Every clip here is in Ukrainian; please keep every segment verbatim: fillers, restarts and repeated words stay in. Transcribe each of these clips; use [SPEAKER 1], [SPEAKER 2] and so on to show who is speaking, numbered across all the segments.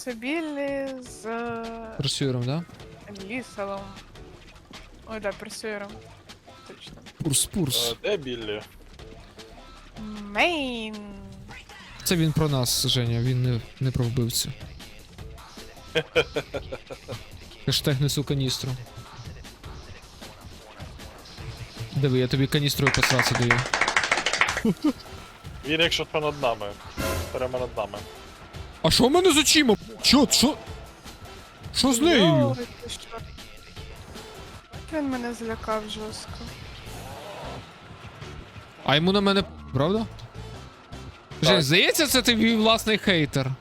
[SPEAKER 1] Сабілі з
[SPEAKER 2] Персюром, да?
[SPEAKER 1] лісалом. Ой, да, персюром. Точно.
[SPEAKER 2] Пурс, пурс.
[SPEAKER 3] Е, Де Біллі?
[SPEAKER 1] Мейн.
[SPEAKER 2] Це він про нас, Женя, він не, не про вбивцю. Хештег несу каністру. Диви, я тобі каністрою посраться даю.
[SPEAKER 3] Він якщо то над нами. Прямо над нами.
[SPEAKER 2] А що в мене з очима? Чо? Що? Що з нею?
[SPEAKER 1] Ой, ти що? Він мене злякав жорстко.
[SPEAKER 2] А йому на мене, правда? Жень, здається, це твій власний хейтер.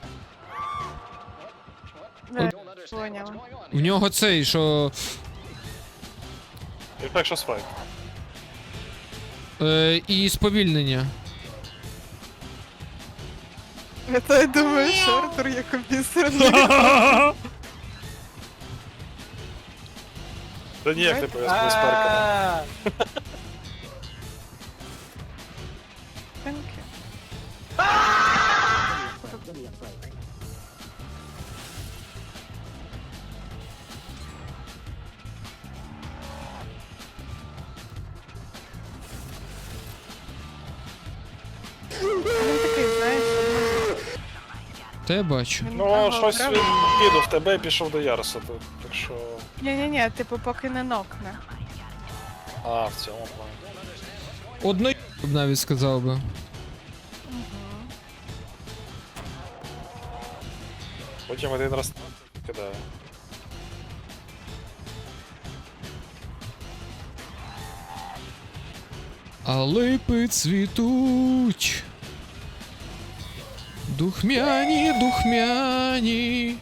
[SPEAKER 1] Да, поняла.
[SPEAKER 2] В нього цей, що.
[SPEAKER 3] І так що свайп.
[SPEAKER 2] Е, і сповільнення.
[SPEAKER 1] Я то й думаю, що Артур є компісер.
[SPEAKER 3] Та ніяк не пов'язано з перками.
[SPEAKER 1] Тенки. Він такий, знаєш,
[SPEAKER 2] Та я бачу.
[SPEAKER 1] він
[SPEAKER 3] Ну,
[SPEAKER 1] ага,
[SPEAKER 3] щось
[SPEAKER 1] правда?
[SPEAKER 3] він кинув тебе і пішов до Яроса, то- так що...
[SPEAKER 1] Ні-ні-ні, типу, поки не нокне.
[SPEAKER 3] А, в цьому плані.
[SPEAKER 2] Одно б навіть сказав би.
[SPEAKER 3] Потім один раз кидає.
[SPEAKER 2] А липи цвітуть. Духмяні, духмяні.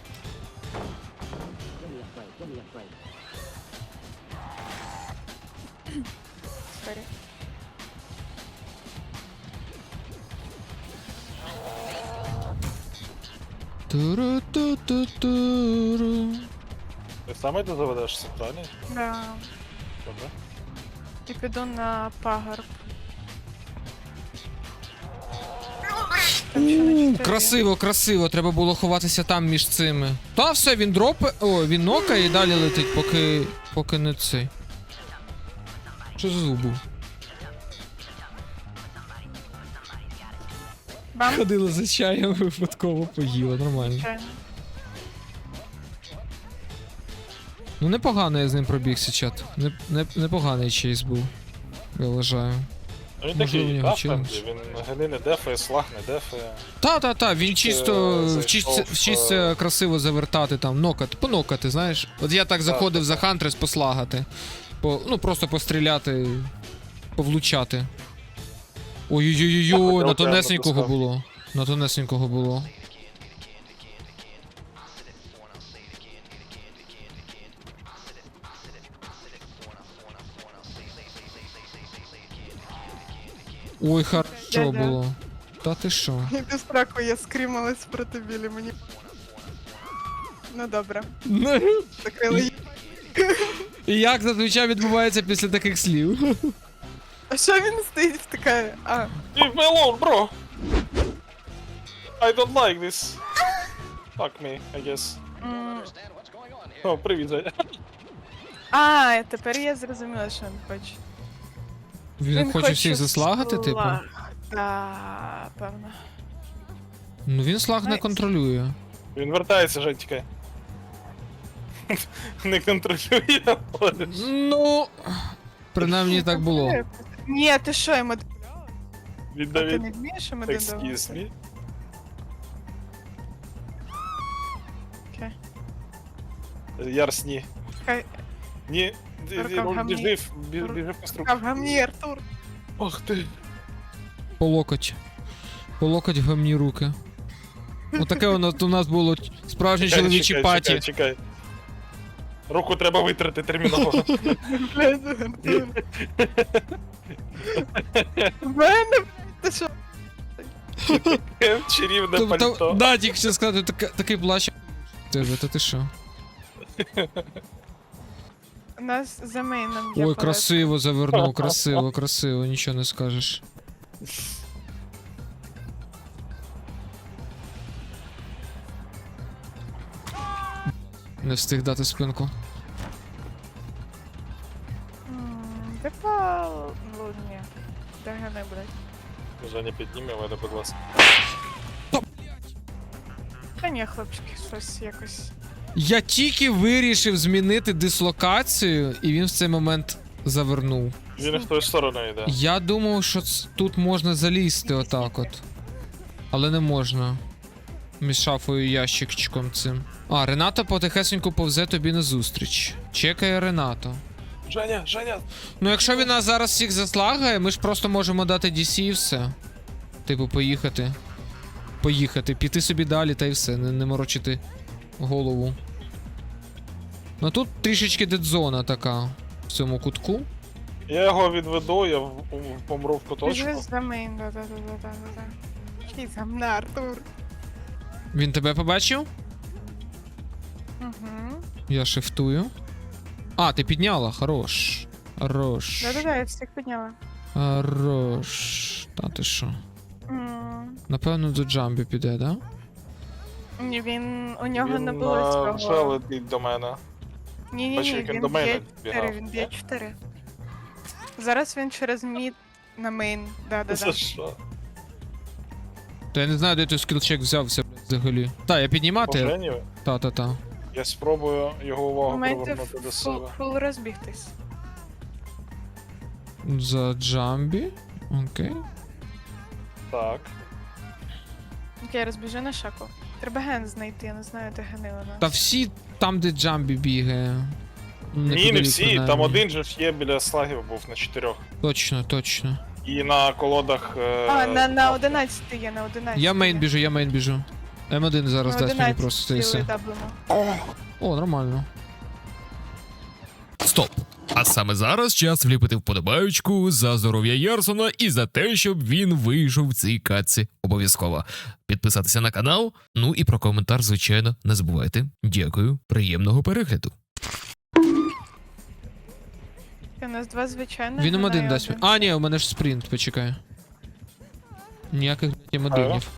[SPEAKER 1] Сорі.
[SPEAKER 2] Туру-ту-ту-туру.
[SPEAKER 3] Ти саме ти заведеш центральний?
[SPEAKER 1] Да.
[SPEAKER 3] Добре.
[SPEAKER 1] І піду на пагорб. Там ще на
[SPEAKER 2] У,
[SPEAKER 1] чотири.
[SPEAKER 2] красиво, красиво, треба було ховатися там між цими. Та все, він дропе. О, він нокає і далі летить, поки. поки не цей. Що за звук був?
[SPEAKER 1] Бам.
[SPEAKER 2] Ходила за чаєм, випадково поїла, нормально.
[SPEAKER 1] Звичайно.
[SPEAKER 2] Ну непогано я з ним пробігся, чат. Не, не, непоганий чейс був. Я вважаю.
[SPEAKER 3] Ну, він
[SPEAKER 2] Можливо, у
[SPEAKER 3] такий,
[SPEAKER 2] нього
[SPEAKER 3] да,
[SPEAKER 2] челендж.
[SPEAKER 3] френдлі, він гени не дефає, слаг не дефає.
[SPEAKER 2] Та-та-та, він чисто
[SPEAKER 3] зайшов,
[SPEAKER 2] вчиться,
[SPEAKER 3] е,
[SPEAKER 2] вчиться красиво завертати там, нокати, понокати, знаєш. От я так заходив за Хантрес послагати. По, ну просто постріляти, повлучати. Ой-ой-ой-ой, на тонесенького було. На тонесенького було. Ой, хорошо
[SPEAKER 1] Дядя.
[SPEAKER 2] було. Та ти що?
[SPEAKER 1] І без страху я скрімалась проти білі мені. Ну добре. Закрили її.
[SPEAKER 2] І як зазвичай відбувається після таких слів?
[SPEAKER 1] А що він стоїть втикає? А,
[SPEAKER 3] Leave me alone, bro! I don't like this. Fuck me, I guess.
[SPEAKER 1] м,
[SPEAKER 3] О, привіт, Женя.
[SPEAKER 1] а, тепер я зрозуміла, що він хоче.
[SPEAKER 2] Він, хоче всіх заслагати, типу?
[SPEAKER 1] слаг. Да, певно.
[SPEAKER 2] Ну він слаг не
[SPEAKER 1] Найс.
[SPEAKER 2] контролює.
[SPEAKER 3] Він вертається, Жень, тікай. Не контролює, але...
[SPEAKER 2] Ну. Принаймні так було.
[SPEAKER 1] Ні, ти що, йому... А
[SPEAKER 3] Він
[SPEAKER 1] ти не
[SPEAKER 3] навіть...
[SPEAKER 1] вмієш йому
[SPEAKER 3] Excuse
[SPEAKER 1] додавати?
[SPEAKER 3] me.
[SPEAKER 1] Окей.
[SPEAKER 3] Ярс, ні.
[SPEAKER 1] Хай,
[SPEAKER 3] Ні, ді- ді-
[SPEAKER 1] Рука в гамні.
[SPEAKER 3] біжи, в- бі- біжи по стру.
[SPEAKER 1] а в гамні, Артур.
[SPEAKER 3] Ох ти.
[SPEAKER 2] По локоть. По локоть в гамні руки. Отаке воно у нас було справжнє
[SPEAKER 3] Чекай,
[SPEAKER 2] чоловічі
[SPEAKER 3] чекай,
[SPEAKER 2] паті.
[SPEAKER 3] Чекай, чекай. Руку треба витрати терміново.
[SPEAKER 1] Блядь, Артур. В мене, ти що?
[SPEAKER 3] Чарівне
[SPEAKER 2] Тобто,
[SPEAKER 3] пальто.
[SPEAKER 2] да, тільки що сказати, така- такий плащ. Тебе, то ти що?
[SPEAKER 1] У нас за мейном є
[SPEAKER 2] Ой,
[SPEAKER 1] палетка.
[SPEAKER 2] красиво завернув, красиво, красиво, нічого не скажеш. Не встиг дати спинку.
[SPEAKER 1] М, Типа... Ну, ні. Дагани, блядь.
[SPEAKER 3] Женя, підніми мене, будь ласка.
[SPEAKER 1] Та ні, хлопчики, щось якось.
[SPEAKER 2] Я тільки вирішив змінити дислокацію, і він в цей момент завернув.
[SPEAKER 3] Він в тою сторону йде.
[SPEAKER 2] Я думав, що ц- тут можна залізти отак от. Але не можна. Між шафою і ящикчиком цим. А, Рената потихесеньку повзе тобі назустріч. Чекає Ренато.
[SPEAKER 3] Женя, Женя!
[SPEAKER 2] Ну, якщо він нас зараз всіх заслагає, ми ж просто можемо дати ді сі і все. Типу, поїхати. Поїхати, піти собі далі та й все, не, не морочити голову. Ну тут трішечки дедзона така в цьому кутку.
[SPEAKER 3] Я його відведу, я в- в- помру в куточку.
[SPEAKER 1] Біжи за мейн, да-да-да-да-да-да. Який за мене, Артур.
[SPEAKER 2] Він тебе побачив?
[SPEAKER 1] Угу.
[SPEAKER 2] Я шифтую. А, ти підняла, хорош. Хорош.
[SPEAKER 1] Да-да-да, я всіх підняла.
[SPEAKER 2] Хорош. Та ти що?
[SPEAKER 1] М,
[SPEAKER 2] Напевно, до Джамбі піде, да?
[SPEAKER 1] Ні, він... У нього
[SPEAKER 3] Він
[SPEAKER 1] не було
[SPEAKER 3] а, вже
[SPEAKER 1] цього.
[SPEAKER 3] летить до мене.
[SPEAKER 1] Ні-ні-ні,
[SPEAKER 3] Бачу, як він
[SPEAKER 1] він
[SPEAKER 3] до мене
[SPEAKER 1] б'є
[SPEAKER 3] бігав.
[SPEAKER 1] чотири, він б'є чотири. Зараз він через мід на мейн.
[SPEAKER 3] За
[SPEAKER 1] Да-да-да.
[SPEAKER 3] що?
[SPEAKER 2] То я не знаю, де той скілчек взявся, блядь, взагалі. Та, я
[SPEAKER 3] По
[SPEAKER 2] піднімати?
[SPEAKER 3] Жені?
[SPEAKER 2] Та-та-та.
[SPEAKER 3] Я спробую його увагу
[SPEAKER 1] Маєте
[SPEAKER 3] привернути до
[SPEAKER 1] фул,
[SPEAKER 3] себе.
[SPEAKER 1] фул розбігтись.
[SPEAKER 2] За Джамбі. Окей.
[SPEAKER 3] Так.
[SPEAKER 1] Окей, розбіжи на шаку. Треба ген знайти, я не знаю, де гени вона.
[SPEAKER 2] Та всі там, де Джамбі бігає.
[SPEAKER 3] Ні, не
[SPEAKER 2] Неподалік,
[SPEAKER 3] всі,
[SPEAKER 2] принаймні.
[SPEAKER 3] там один же ж є біля слагів був на чотирьох.
[SPEAKER 2] Точно, точно.
[SPEAKER 3] І на колодах. е,
[SPEAKER 1] А, на, на
[SPEAKER 3] авто.
[SPEAKER 1] одинадцяти є, на одинадцяти.
[SPEAKER 2] Я мейн біжу, я мейн біжу. М один зараз дасть мені просто це і все. О, нормально.
[SPEAKER 4] Стоп! А саме зараз час вліпити вподобаючку за здоров'я Ярсона і за те, щоб він вийшов в цій катці. Обов'язково підписатися на канал. Ну і про коментар, звичайно, не забувайте. Дякую, приємного перегляду.
[SPEAKER 1] У нас два звичайних.
[SPEAKER 2] Він М
[SPEAKER 1] гена
[SPEAKER 2] один
[SPEAKER 1] і
[SPEAKER 2] дасть.
[SPEAKER 1] один.
[SPEAKER 2] А, ні, у мене ж спринт, почекай. Ніяких М одинів.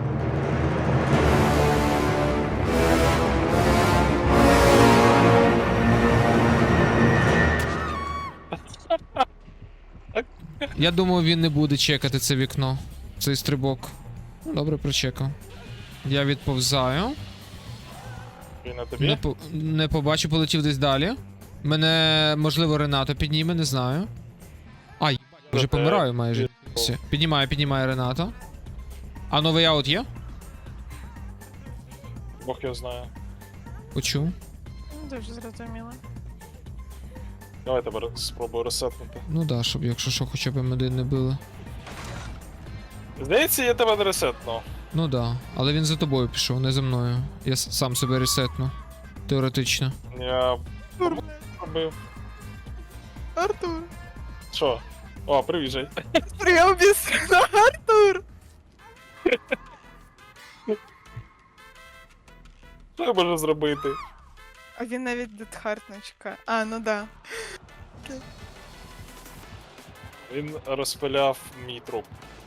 [SPEAKER 2] Я думав, він не буде чекати це вікно. Цей стрибок. Ну, добре, прочекав. Я відповзаю.
[SPEAKER 3] Він на тобі?
[SPEAKER 2] Не, по... не побачу, полетів десь далі. Мене, можливо, Ренато підніме, не знаю. А, їбать, вже
[SPEAKER 3] Проте-
[SPEAKER 2] помираю майже. Все. Піднімає, піднімає Ренато. А новий аут є?
[SPEAKER 3] Бог його знає.
[SPEAKER 2] Почув.
[SPEAKER 1] Ну, дуже зрозуміло.
[SPEAKER 3] Давай тебе ре- спробую ресетнути.
[SPEAKER 2] Ну да, щоб якщо що, хоча б М один не били.
[SPEAKER 3] Здається, я тебе не ресетну.
[SPEAKER 2] Ну да. Але він за тобою пішов, не за мною. Я с- сам себе ресетну. Теоретично.
[SPEAKER 3] Я робив.
[SPEAKER 1] Артур.
[SPEAKER 3] Що? О, привіт, Жень.
[SPEAKER 1] Я обісрана, Артур.
[SPEAKER 3] Що я можу зробити?
[SPEAKER 1] А він навіть Дедхарт не чекає. А, ну да.
[SPEAKER 3] Він розпиляв мій труп.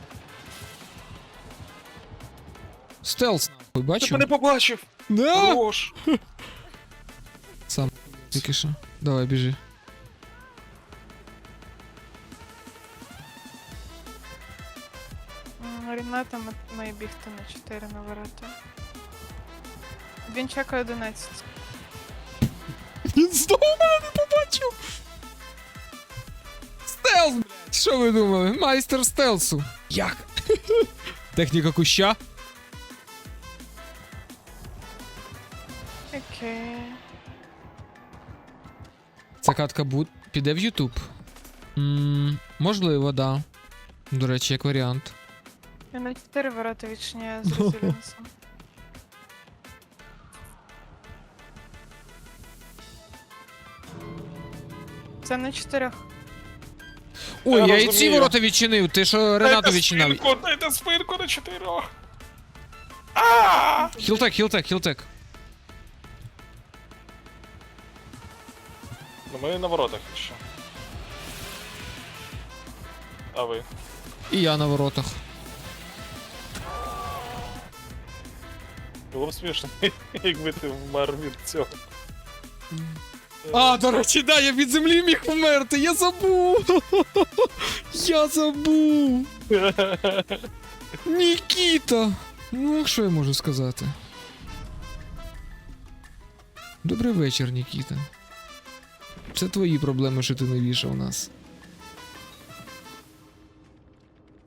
[SPEAKER 2] Стелс, нахуй,
[SPEAKER 3] Ти
[SPEAKER 2] бачив?
[SPEAKER 3] мене побачив!
[SPEAKER 2] Да!
[SPEAKER 3] Хорош!
[SPEAKER 2] Сам тільки що. Давай, біжи.
[SPEAKER 1] М, Ріната м- має бігти на чотири на ворота. Він чекає одинадцять.
[SPEAKER 2] Він знову мене не побачив! Стелс, блядь! Що ви думали? Майстер стелсу. Як? Техніка куща.
[SPEAKER 1] Окей.
[SPEAKER 2] Ця катка буд... піде в Ютуб. Ммм, можливо, да. До речі, як варіант.
[SPEAKER 1] Я на чотири ворота відчиняю з резилінсом. Це на чотирьох.
[SPEAKER 2] Ой,
[SPEAKER 3] Я
[SPEAKER 2] я і ці
[SPEAKER 3] розумію.
[SPEAKER 2] ворота відчинив, ти що Ренато
[SPEAKER 3] Дайте
[SPEAKER 2] відчиняв.
[SPEAKER 3] спинку, дайте спинку на чотирьох! Ааа!
[SPEAKER 2] Хілтек, хілтек, хілтек.
[SPEAKER 3] Ну ми на воротах ще. А ви?
[SPEAKER 2] І я на воротах.
[SPEAKER 3] Було б смішно, якби ти вмер від цього.
[SPEAKER 2] А, до речі, да, я від землі міг вмерти, я забув! Я забув! Нікіта! Ну, що я можу сказати? Добрий вечір, Нікіта. Це твої проблеми, що ти не вішав нас.